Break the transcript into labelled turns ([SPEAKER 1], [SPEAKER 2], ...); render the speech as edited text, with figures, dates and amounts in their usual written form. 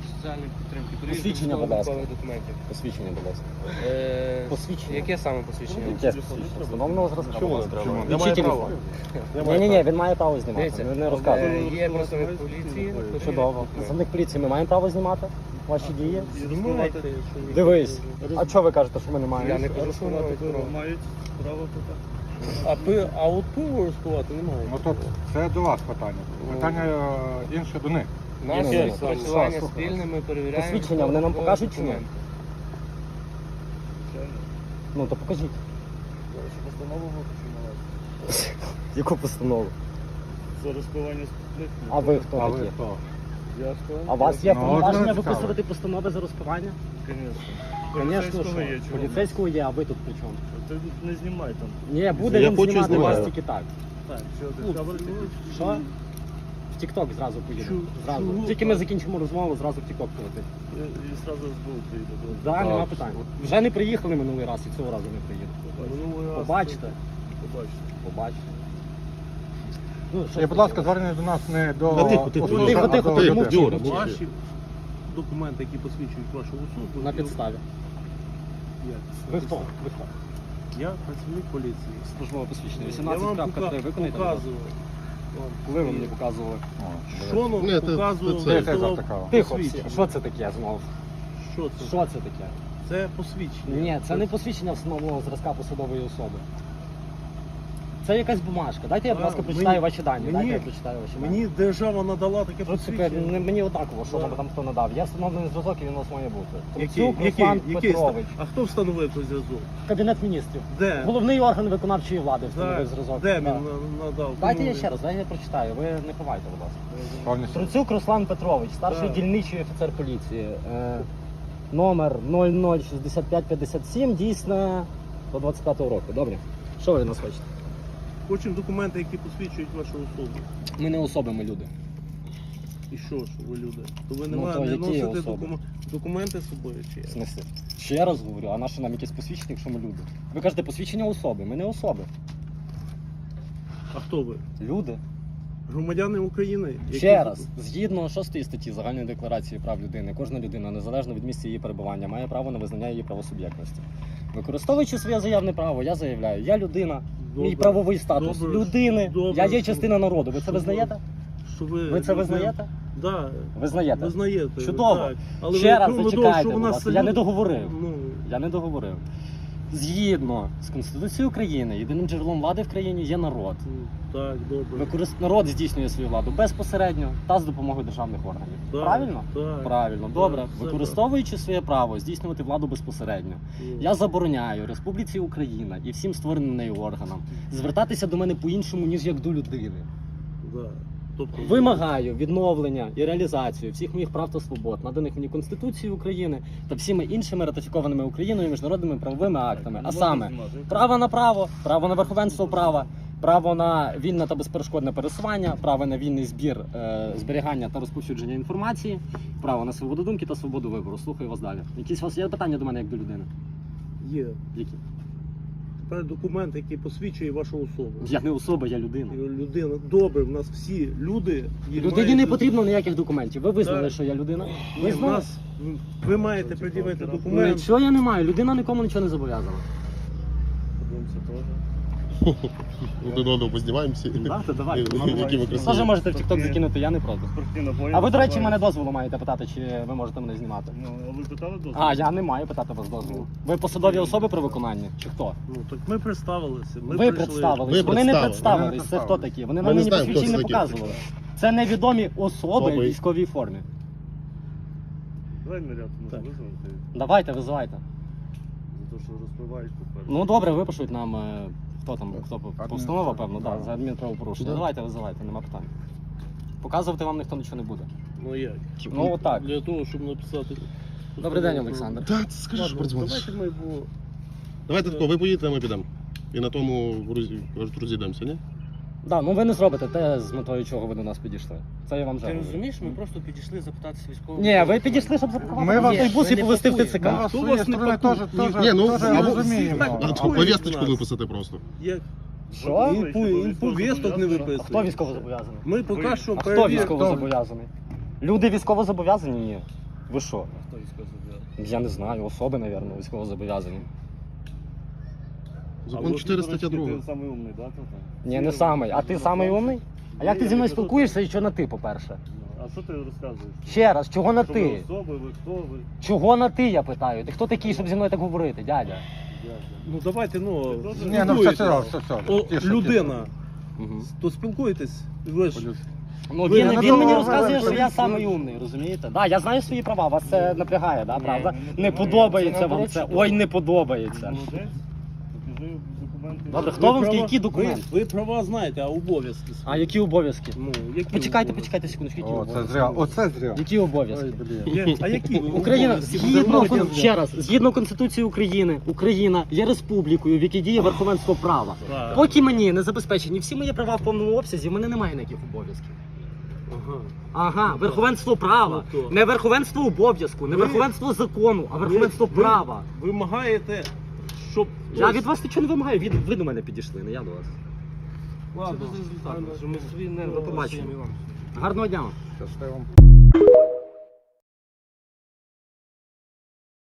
[SPEAKER 1] соціальної підтримки.
[SPEAKER 2] Посвідчення, будь ласка.
[SPEAKER 1] Документів.
[SPEAKER 2] Посвідчення, будь ласка. Посвідчення.
[SPEAKER 1] Яке саме посвідчення?
[SPEAKER 2] Яке посвідчення? Встановленого зразка.
[SPEAKER 3] Чому?
[SPEAKER 2] Я маю право. Ні, він має право знімати.
[SPEAKER 1] Дивіться,
[SPEAKER 2] Не розказує.
[SPEAKER 1] є представник поліції.
[SPEAKER 2] Чудово. Представник поліції, ми маємо право знімати ваші дії?
[SPEAKER 1] Знімайте.
[SPEAKER 2] Дивись. А чого ви кажете, що ми не маємо?
[SPEAKER 1] Я не кажу, що вони мають право.
[SPEAKER 3] Мають право питати.
[SPEAKER 1] А от пиво розкувати немає.
[SPEAKER 4] Ну тут це до вас питання. Питання інше до них.
[SPEAKER 1] Нас
[SPEAKER 2] Ні,
[SPEAKER 1] працювання
[SPEAKER 2] слухай.
[SPEAKER 1] спільне, ми перевіряємо.
[SPEAKER 2] Посвідчення вони нам покажуть чи ні?
[SPEAKER 1] документи.
[SPEAKER 2] Ну то покажіть.
[SPEAKER 3] Постанову випущено
[SPEAKER 2] Яку постанову?
[SPEAKER 3] за розпивання спиртних.
[SPEAKER 2] А ви хто
[SPEAKER 4] А ви
[SPEAKER 2] такі?
[SPEAKER 4] хто?
[SPEAKER 3] Я сказав?
[SPEAKER 2] А у вас є
[SPEAKER 4] Ну,
[SPEAKER 2] повноваження
[SPEAKER 4] от
[SPEAKER 2] виписувати постанови за розпивання? Звісно,
[SPEAKER 3] Поліцейського є,
[SPEAKER 2] що?
[SPEAKER 3] чого?
[SPEAKER 2] Поліцейського є, а ви тут при чому?
[SPEAKER 3] Ти не знімай там.
[SPEAKER 2] Ні, буде
[SPEAKER 5] Я
[SPEAKER 2] він
[SPEAKER 5] хочу
[SPEAKER 2] знімати вас
[SPEAKER 5] знімати.
[SPEAKER 2] тільки так.
[SPEAKER 3] Так, що ти камеру
[SPEAKER 2] Що? В Тік-Ток зразу поїде.
[SPEAKER 3] Чу-
[SPEAKER 2] Зразу.
[SPEAKER 3] чу-
[SPEAKER 2] Тільки ми закінчимо розмову, зразу в Тік-Ток полетить.
[SPEAKER 3] і зразу збув приїде.
[SPEAKER 2] Так, нема питань. Вже не приїхали минулий раз і цього разу не приїдуть. Побачите.
[SPEAKER 3] Побачите.
[SPEAKER 2] Побачите. Ну, що
[SPEAKER 4] І, будь ласка, звернення до нас не до
[SPEAKER 5] Та тихо, тихо,
[SPEAKER 4] особи,
[SPEAKER 2] тихо,
[SPEAKER 4] а
[SPEAKER 2] тихо,
[SPEAKER 4] до
[SPEAKER 2] тихо,
[SPEAKER 4] людей.
[SPEAKER 2] мовчи,
[SPEAKER 5] Юра,
[SPEAKER 2] мовчи.
[SPEAKER 3] Ваші документи, які посвідчують вашу особу.
[SPEAKER 2] На підставі.
[SPEAKER 3] Як?
[SPEAKER 2] Ви хто? Ви хто?
[SPEAKER 3] Я працівник поліції.
[SPEAKER 2] Службове посвідчення.
[SPEAKER 3] Я вам
[SPEAKER 2] 18.3 виконайте.
[SPEAKER 3] показував.
[SPEAKER 2] Коли ви мені показували?
[SPEAKER 3] Що нам
[SPEAKER 5] Ні, це-
[SPEAKER 3] показував?
[SPEAKER 5] це-
[SPEAKER 4] Яке за така?
[SPEAKER 2] Тихо,
[SPEAKER 3] посвідчення.
[SPEAKER 2] що це таке знову?
[SPEAKER 3] Що це?
[SPEAKER 2] Що це таке?
[SPEAKER 3] Це посвідчення.
[SPEAKER 2] Ні, це не посвідчення встановленого зразка посадової особи. Це якась бумажка. Дайте я, будь ласка, прочитаю
[SPEAKER 3] мені-
[SPEAKER 2] ваші дані.
[SPEAKER 3] мені-
[SPEAKER 2] Дайте я прочитаю ваші дані.
[SPEAKER 3] Мені держава надала таке
[SPEAKER 2] Принципі,
[SPEAKER 3] посвідчення.
[SPEAKER 2] мені однаково, що
[SPEAKER 3] Да.
[SPEAKER 2] вам там хто надав. Я встановлений зразок і він у вас має бути.
[SPEAKER 3] Який?
[SPEAKER 2] Трубцюк Руслан
[SPEAKER 3] Який?
[SPEAKER 2] Петрович.
[SPEAKER 3] А хто встановив цей зв'язок?
[SPEAKER 2] Кабінет міністрів.
[SPEAKER 3] Де?
[SPEAKER 2] Головний орган виконавчої влади встановив зразок.
[SPEAKER 3] Де він
[SPEAKER 2] Да.
[SPEAKER 3] надав?
[SPEAKER 2] Дайте
[SPEAKER 3] Кому
[SPEAKER 2] я
[SPEAKER 3] він?
[SPEAKER 2] ще раз, дайте я прочитаю. Ви не ховайте, будь ласка.
[SPEAKER 4] Повністю.
[SPEAKER 2] Труцюк Руслан Петрович, старший
[SPEAKER 3] Так.
[SPEAKER 2] дільничий офіцер поліції. Номер 006557, дійсне до 25-го року. Добре. Що ви від нас хочете?
[SPEAKER 3] Хочемо документи, які посвідчують вашу особу.
[SPEAKER 2] Ми не особи, ми люди.
[SPEAKER 3] І що ж ви люди? То ви не,
[SPEAKER 2] Ну, то
[SPEAKER 3] не
[SPEAKER 2] які
[SPEAKER 3] носите
[SPEAKER 2] особи?
[SPEAKER 3] документи з собою чи
[SPEAKER 2] В
[SPEAKER 3] як?
[SPEAKER 2] смислі? Ще раз говорю, а на що нам якесь посвідчення, якщо ми люди? Ви кажете посвідчення особи, ми не особи.
[SPEAKER 3] А хто ви?
[SPEAKER 2] Люди.
[SPEAKER 3] Громадяни України? які-
[SPEAKER 2] Ще раз, згідно 6 статті Загальної декларації прав людини, кожна людина, незалежно від місця її перебування, має право на визнання її правосуб'єктності. Використовуючи своє заявне право, я заявляю, я людина,
[SPEAKER 3] Добре.
[SPEAKER 2] мій правовий статус
[SPEAKER 3] Добре.
[SPEAKER 2] людини,
[SPEAKER 3] Добре.
[SPEAKER 2] я є частина народу. Ви це
[SPEAKER 3] Що
[SPEAKER 2] визнаєте?
[SPEAKER 3] Що
[SPEAKER 2] Ви це визнаєте?
[SPEAKER 3] Да.
[SPEAKER 2] Визнаєте?
[SPEAKER 3] Визнаєте.
[SPEAKER 2] Чудово.
[SPEAKER 3] Так. Але
[SPEAKER 2] Ще
[SPEAKER 3] ви
[SPEAKER 2] раз
[SPEAKER 3] думали,
[SPEAKER 2] зачекайте,
[SPEAKER 3] що в
[SPEAKER 2] будь
[SPEAKER 3] нас
[SPEAKER 2] ласка, я не
[SPEAKER 3] люди-
[SPEAKER 2] договорив.
[SPEAKER 3] Ну,
[SPEAKER 2] Я не договорив. Згідно з Конституцією України, єдиним джерелом влади в країні є народ.
[SPEAKER 3] так, добре.
[SPEAKER 2] Народ здійснює свою владу безпосередньо та з допомогою державних органів.
[SPEAKER 3] Так,
[SPEAKER 2] Правильно?
[SPEAKER 3] Так.
[SPEAKER 2] Правильно, добре.
[SPEAKER 3] Так, все
[SPEAKER 2] Використовуючи своє право здійснювати владу безпосередньо,
[SPEAKER 3] Ну,
[SPEAKER 2] я забороняю Республіці Україна і всім створеним нею органам звертатися до мене по-іншому, ніж як до людини.
[SPEAKER 3] да. Тобто,
[SPEAKER 2] Вимагаю відновлення і реалізацію всіх моїх прав та свобод, наданих мені Конституцією України та всіми іншими ратифікованими Україною міжнародними правовими актами. А саме право на право, право на верховенство права, право на вільне та безперешкодне пересування, право на вільний збір, зберігання та розповсюдження інформації, право на свободу думки та свободу вибору. Слухаю вас далі. Якісь у вас є питання до мене як до людини?
[SPEAKER 3] Є.
[SPEAKER 2] Які?
[SPEAKER 3] Тепер документ, який посвідчує вашу особу.
[SPEAKER 2] Я не особа, я людина.
[SPEAKER 3] Людина. Добре, в нас всі люди. і
[SPEAKER 2] Людині
[SPEAKER 3] мають-
[SPEAKER 2] не потрібно ніяких документів. Ви визнали,
[SPEAKER 3] Так.
[SPEAKER 2] що я людина?
[SPEAKER 3] Ні, в
[SPEAKER 2] Визнали?
[SPEAKER 3] нас, ви маєте пред'явити документ.
[SPEAKER 2] Нічого я не маю. Людина нікому нічого не зобов'язана.
[SPEAKER 5] Один одного познімаємося.
[SPEAKER 2] Так, давай.
[SPEAKER 5] Які ви красиві.
[SPEAKER 2] Теж можете в TikTok закинути, я не проти. А ви, до речі, мене дозволу маєте питати, чи ви можете мене знімати?
[SPEAKER 3] Ну, а ви питали дозвіл?
[SPEAKER 2] А, я не маю питати вас дозволу. Ви посадові особи при виконанні? Чи хто?
[SPEAKER 3] Ну, так ми представилися. Ми
[SPEAKER 2] Ви
[SPEAKER 3] прийшли.
[SPEAKER 2] представились.
[SPEAKER 5] Ви
[SPEAKER 2] Вони не
[SPEAKER 5] представили.
[SPEAKER 2] представились. Це хто такі? Вони
[SPEAKER 5] Ми
[SPEAKER 2] нам
[SPEAKER 5] не
[SPEAKER 2] мені
[SPEAKER 5] знаємо, хто
[SPEAKER 2] посвідчень не
[SPEAKER 5] це такі.
[SPEAKER 2] показували. Це невідомі особи в
[SPEAKER 5] Особи.
[SPEAKER 2] військовій формі.
[SPEAKER 3] Давай наряд
[SPEAKER 2] Так.
[SPEAKER 3] визвати.
[SPEAKER 2] Давайте, визивайте.
[SPEAKER 3] За те, що розпливаєш попереду.
[SPEAKER 2] Ну добре, випишуть нам, хто там, хто постанова, певно,
[SPEAKER 4] Да.
[SPEAKER 2] за адмінправопорушення.
[SPEAKER 5] Да.
[SPEAKER 2] Давайте, визивайте, нема питань. Показувати вам ніхто нічого не буде.
[SPEAKER 3] Ну як?
[SPEAKER 2] Ну отак.
[SPEAKER 3] Для того, щоб написати...
[SPEAKER 2] Добрий день, Олександр.
[SPEAKER 5] Так, скажи, що
[SPEAKER 3] Ладно,
[SPEAKER 5] передзвониш.
[SPEAKER 3] давайте ми, бо...
[SPEAKER 5] Давайте тако, ви поїдете, а ми підемо. І на тому розійдемося, ні?
[SPEAKER 2] Да, ну ви не зробите те, з метою чого ви до нас підійшли. Це я вам вже
[SPEAKER 1] Ти
[SPEAKER 2] говорю.
[SPEAKER 1] розумієш, ми просто підійшли запитатися військового.
[SPEAKER 2] Ні, ви підійшли, щоб запакувати
[SPEAKER 4] Ми вас-
[SPEAKER 2] в той бус і
[SPEAKER 1] не
[SPEAKER 2] повезти в
[SPEAKER 1] пакуємо.
[SPEAKER 2] ТЦК.
[SPEAKER 4] Ми вас з
[SPEAKER 3] Хто
[SPEAKER 4] своєї
[SPEAKER 3] вас не
[SPEAKER 4] сторони
[SPEAKER 3] пакує?
[SPEAKER 4] теж
[SPEAKER 5] Ні, ну, або-
[SPEAKER 4] розуміємо.
[SPEAKER 3] або-
[SPEAKER 5] А повісточку виписати просто.
[SPEAKER 3] Як?
[SPEAKER 2] Що?
[SPEAKER 3] Повісток не
[SPEAKER 2] А
[SPEAKER 3] виписує.
[SPEAKER 2] хто військово зобов'язаний?
[SPEAKER 3] Ми поки що
[SPEAKER 2] А хто
[SPEAKER 3] перевіримо.
[SPEAKER 2] військово зобов'язаний? Люди військово зобов'язані? Ні. Ви що?
[SPEAKER 1] Хто військовозобов'язаний?
[SPEAKER 2] Я не знаю, особи, мабуть, військовозобов'язані.
[SPEAKER 5] Закон 4 стаття 2.
[SPEAKER 6] Ти самий умний, да, тут?
[SPEAKER 2] Ні, не самий. А ти самий умний? А як ти зі мною спілкуєшся і що на ти, по-перше?
[SPEAKER 6] А що ти розказуєш?
[SPEAKER 2] Ще раз, чого на
[SPEAKER 6] Що ви
[SPEAKER 2] ти?
[SPEAKER 6] особи, ви хто ви?
[SPEAKER 2] Чого на ти, я питаю? Ти хто такий, щоб зі мною так говорити, дядя?
[SPEAKER 3] Ну давайте, ну,
[SPEAKER 4] Ні, ну все, все.
[SPEAKER 3] О,
[SPEAKER 4] Тише,
[SPEAKER 3] людина,
[SPEAKER 2] Угу.
[SPEAKER 3] то спілкуєтесь, ви ж
[SPEAKER 4] тише.
[SPEAKER 2] Ну,
[SPEAKER 3] Ви
[SPEAKER 2] він
[SPEAKER 3] на
[SPEAKER 2] мені
[SPEAKER 3] тому-
[SPEAKER 2] розказує, що я
[SPEAKER 4] ви-
[SPEAKER 2] самий умний, розумієте? Да, я знаю свої права, вас це напрягає, да, правда?
[SPEAKER 6] не
[SPEAKER 2] Не подобається
[SPEAKER 6] це
[SPEAKER 2] вам це.
[SPEAKER 6] наоборот,
[SPEAKER 2] Ой, не подобається.
[SPEAKER 6] Молодець. Покажи документи.
[SPEAKER 2] Добре, хто вам
[SPEAKER 3] права-
[SPEAKER 2] які документи?
[SPEAKER 3] Ви права знаєте, а обов'язки свої?
[SPEAKER 2] А які обов'язки?
[SPEAKER 3] Ну, які
[SPEAKER 2] Почекайте,
[SPEAKER 3] обов'язки?
[SPEAKER 2] почекайте секундочку, які
[SPEAKER 4] О, це
[SPEAKER 2] обов'язки?
[SPEAKER 4] зря. Оце зря.
[SPEAKER 2] Які обов'язки?
[SPEAKER 4] Ой, блін.
[SPEAKER 3] А які
[SPEAKER 2] Україна
[SPEAKER 3] обов'язки?
[SPEAKER 2] ще раз, згідно Конституції України, Україна є республікою, в якій діє верховенство права.
[SPEAKER 3] Так.
[SPEAKER 2] Поки мені не забезпечені всі мої права в повному обсязі, в мене немає ніяких обов'язків.
[SPEAKER 3] Ага.
[SPEAKER 2] Ага, верховенство права,
[SPEAKER 3] Ну, то.
[SPEAKER 2] не верховенство обов'язку, не
[SPEAKER 3] Ви-
[SPEAKER 2] верховенство закону, а верховенство
[SPEAKER 3] Ви
[SPEAKER 2] права.
[SPEAKER 3] вимагаєте, щоб...
[SPEAKER 2] Я від вас нічого не вимагаю, ви до мене підійшли, не я до вас.
[SPEAKER 3] Ладно,
[SPEAKER 1] Це без результату, що ми свої нерви
[SPEAKER 2] До побачення.
[SPEAKER 1] просимо.
[SPEAKER 2] Гарного дня вам.
[SPEAKER 4] Щасливо.